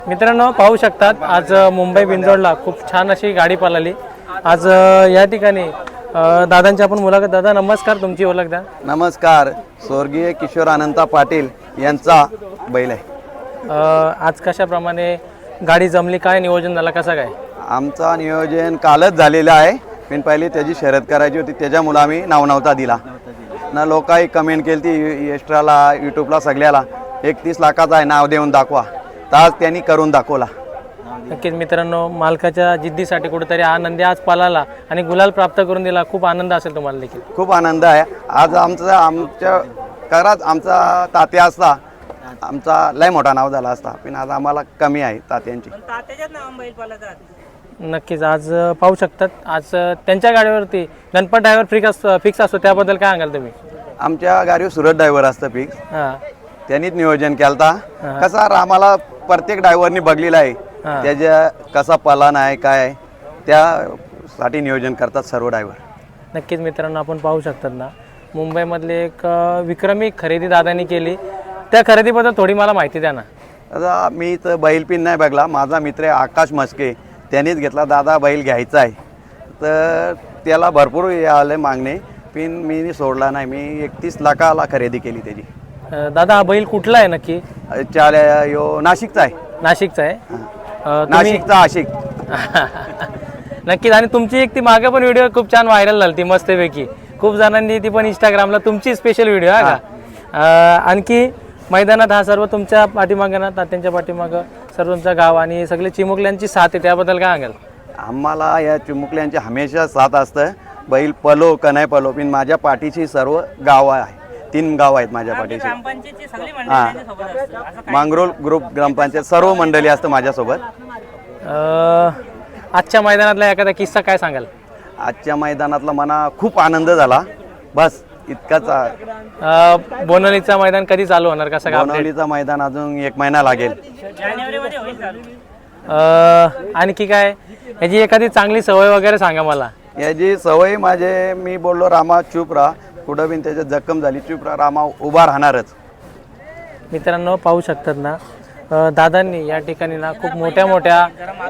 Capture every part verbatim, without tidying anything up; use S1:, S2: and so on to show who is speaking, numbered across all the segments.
S1: मित्रांनो पाहू शकतात आज मुंबई बिंजोडला खूप छान अशी गाडी पळाली। आज या ठिकाणी दादांची आपण मुलाखत। दादा नमस्कार, तुमची ओळख द्या।
S2: नमस्कार, स्वर्गीय किशोर अनंता पाटील यांचा बैल आहे।
S1: आज कशाप्रमाणे गाडी जमली, काय नियोजन झालं, कसं काय?
S2: आमचा नियोजन कालच झालेलं आहे, पण पहिली त्याची शर्यत करायची होती, त्याच्यामुळे आम्ही नाव नव्हता दिला ना। लोकांनी कमेंट केली ती एक्स्ट्राला यूट्यूबला सगळ्याला एकतीस लाखाचा आहे नाव देऊन दाखवा, तर आज त्यांनी करून दाखवला।
S1: नक्कीच मित्रांनो, मालकाच्या जिद्दीसाठी कुठेतरी आनंदी आज पळाला आणि गुलाल प्राप्त करून दिला। खूप आनंद असेल तुम्हाला देखील।
S2: खूप आनंद आहे आज आमचा आमच्या करात आमचा तात्या असता आमचा लय मोठा नाव झाला असता, पण आज आम्हाला कमी आहे तात्यांची।
S1: नक्कीच आज पाहू शकतात आज त्यांच्या गाडीवरती गणपत ड्रायव्हर फिक्स फिक्स असतो, त्याबद्दल काय सांगाल तुम्ही?
S2: आमच्या गाडीवर सुरत ड्रायव्हर असतं फिक्स,
S1: हां
S2: त्यांनीच नियोजन केलता। कसा आम्हाला प्रत्येक ड्रायव्हरनी बघलेला आहे त्याच्या कसा पलान आहे काय त्यासाठी नियोजन करतात सर्व ड्रायव्हर।
S1: नक्कीच मित्रांनो, आपण पाहू शकतात ना, मुंबईमधले एक विक्रमी खरेदी दादांनी केली, त्या खरेदीबद्दल थोडी मला माहिती द्या ना।
S2: आता मी तर बैल पिन नाही बघला, माझा मित्र आहे आकाश मस्के, त्यांनीच घेतला, दादा बैल घ्यायचा आहे, तर त्याला भरपूर आले मागणे, पण मी सोडला नाही। मी एकतीस लाखाला खरेदी केली त्याची।
S1: दादा हा बैल कुठला आहे नक्की?
S2: चाल यो नाशिकचा आहे।
S1: नाशिकचा आहे?
S2: नाशिकचा आशिक।
S1: नक्कीच। आणि तुमची एक ती मागे पण व्हिडिओ खूप छान व्हायरल झाली ती मस्तपैकी, खूप जणांनी ती पण इंस्टाग्रामला तुमची स्पेशल व्हिडिओ आहे का? आणखी मैदानात हा सर्व तुमच्या पाठीमागे ना, तात्यांच्या पाठीमागं सर्व तुमचं गाव आणि सगळे चिमुकल्यांची साथ आहे, त्याबद्दल काय सांगाल?
S2: आम्हाला या चिमुकल्यांची हमेशा साथ असतं, बैल पलो का नाही पलो, पण माझ्या पाठीची सर्व गाव आहे, तीन गाव आहेत माझ्या पाठीची। हां, मांगरोल ग्रुप ग्रामपंचायत सर्व मंडळी असतं माझ्यासोबत।
S1: आजच्या मैदानातला एखादा किस्सा काय सांगाल?
S2: आजच्या मैदानातला मला खूप आनंद झाला, बस इतकाच।
S1: बोनवलीचा मैदान कधी चालू होणार, कसं काय?
S2: बोनवलीचा मैदान अजून एक महिना लागेल।
S1: आणखी काय याची एखादी चांगली सवय वगैरे सांगा मला।
S2: याची सवय माझे, मी बोललो रामा चूप राहा, कुठं बिन त्याच्यात जखम झाली चूप राहा, रामा उभा राहणारच।
S1: मित्रांनो पाहू शकतात ना, दादांनी या ठिकाणी ना खूप मोठ्या मोठ्या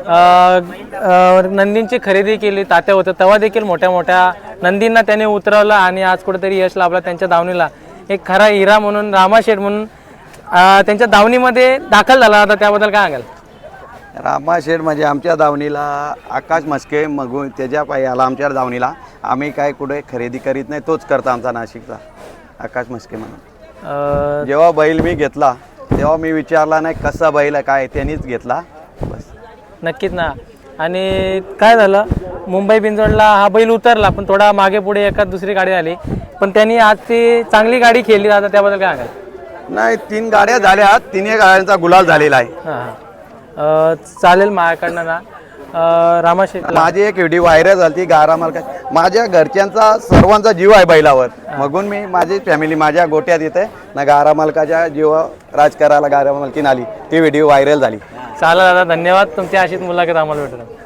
S1: नंदींची खरेदी केली। तात्या होतं तेव्हा देखील मोठ्या मोठ्या नंदींना त्याने उतरवलं आणि आज कुठेतरी यश लाभला त्यांच्या दावणीला। एक खरा हिरा म्हणून रामाशेठ म्हणून त्यांच्या दावणीमध्ये दाखल झाला होता, त्याबद्दल काय सांगाल?
S2: रामाशेठ म्हणजे आमच्या दावणीला आकाश मस्के मगू त्याच्या पायी आला आमच्या दावणीला। आम्ही काय कुठे खरेदी करीत नाही, तोच करता आमचा नाशिकचा आकाश मस्के म्हणून। जेव्हा बैल मी घेतला तेव्हा मी विचारला नाही कसा बैल आहे काय, त्यांनीच घेतला बस।
S1: नक्कीच ना। आणि काय झालं, मुंबई बिंजोडला हा बैल उतरला, पण थोडा मागे पुढे एखाद दुसरी गाडी आली, पण त्यांनी आज ती चांगली गाडी खेळली दादा, त्याबद्दल काय सांगाल?
S2: नाही, तीन गाड्या झाल्या, तिन्ही गाड्यांचा गुलाल झालेला आहे।
S1: हां चालेल। माझ्याकडनं ना रामाशेठ
S2: माझी एक व्हिडिओ व्हायरल झाली गारा मालका, माझ्या घरच्यांचा सर्वांचा जीव आहे बैलावर, मगून मी माझी फॅमिली माझ्या गोट्यात येते ना, गारा मालकाच्या जीव राज करायला गारा मालकीन आली, ती व्हिडिओ व्हायरल झाली।
S1: चालेल दादा, धन्यवाद, तुमची अशीच मुलाखत आम्हाला भेटणार।